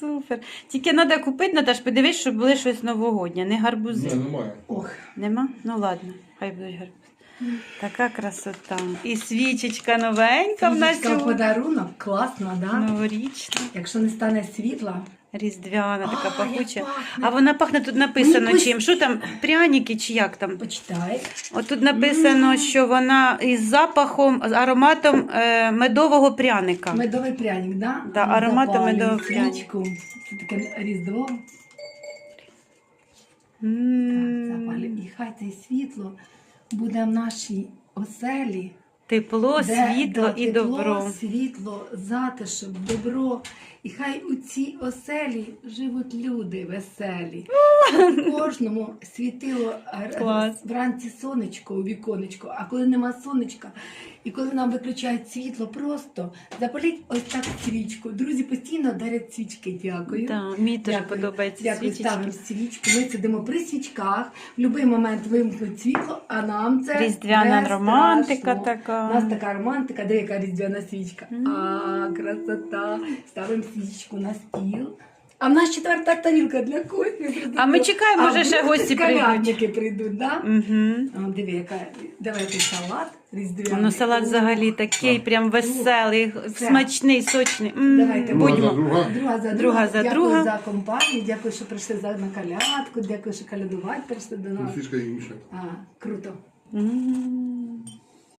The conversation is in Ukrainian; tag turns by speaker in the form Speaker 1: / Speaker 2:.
Speaker 1: Супер. Тільки треба купити, Наташ, подивись, щоб були щось новогоднє, не гарбузи.
Speaker 2: Ні, немає.
Speaker 3: Ох.
Speaker 1: Нема? Ну ладно, хай будуть гарбузи. Така красота. І свічечка новенька в нас
Speaker 3: Свічка в подарунок, класно, да?
Speaker 1: новорічна.
Speaker 3: Якщо не стане світла.
Speaker 1: Різдвяна, така
Speaker 3: А,
Speaker 1: пахуча.
Speaker 3: як пахне.
Speaker 1: А вона пахне, тут написано
Speaker 3: Якось-
Speaker 1: чим. Що там, пряники чи як там?
Speaker 3: Почитай.
Speaker 1: От тут написано, що вона із запахом, з ароматом медового пряника.
Speaker 3: Медовий пряник, да?
Speaker 1: Да, ароматом
Speaker 3: Запалюй
Speaker 1: медового пряника.
Speaker 3: свічку. Це таке різдво.
Speaker 1: М.
Speaker 3: Так, запалюй. І хай це світло буде в нашій оселі.
Speaker 1: Тепло, світло
Speaker 3: да,
Speaker 1: і
Speaker 3: тепло,
Speaker 1: добро.
Speaker 3: світло, затишок, добро. І хай у цій оселі живуть люди веселі. Кожному світило
Speaker 1: Клас.
Speaker 3: вранці сонечко у віконечко, а коли нема сонечка, і коли нам виключають світло, просто запаліть ось так свічку. Друзі постійно дарять свічки. Дякую.
Speaker 1: Да, мені теж
Speaker 3: Дякую.
Speaker 1: подобається
Speaker 3: Дякую,
Speaker 1: свічечки.
Speaker 3: ставимо свічку. Ми сидимо при свічках. В будь-який момент вимкнуть світло, а нам це
Speaker 1: Різдвяна
Speaker 3: не
Speaker 1: романтика
Speaker 3: страшно.
Speaker 1: така.
Speaker 3: У нас така романтика, де яка різдвяна свічка. А, красота. Ставимо свічку на стіл. А в нас 4-та тарілка для кофі.
Speaker 1: А ми чекаємо, може, ще
Speaker 3: вдруг
Speaker 1: гості
Speaker 3: колядники прийдуть, да?
Speaker 1: Угу.
Speaker 3: О, диви, яка. Давайте салат різдвяний.
Speaker 1: Ну, салат взагалі такий прям веселий,
Speaker 3: Все.
Speaker 1: смачний, сочний.
Speaker 3: Давайте,
Speaker 1: Будьмо.
Speaker 3: Друга за
Speaker 1: друга.
Speaker 3: Дякую за компанію, дякую, що прийшли на колядку, дякую, що колядувати прийшли до нас.
Speaker 2: Фішка інша.
Speaker 3: А, круто.
Speaker 1: М.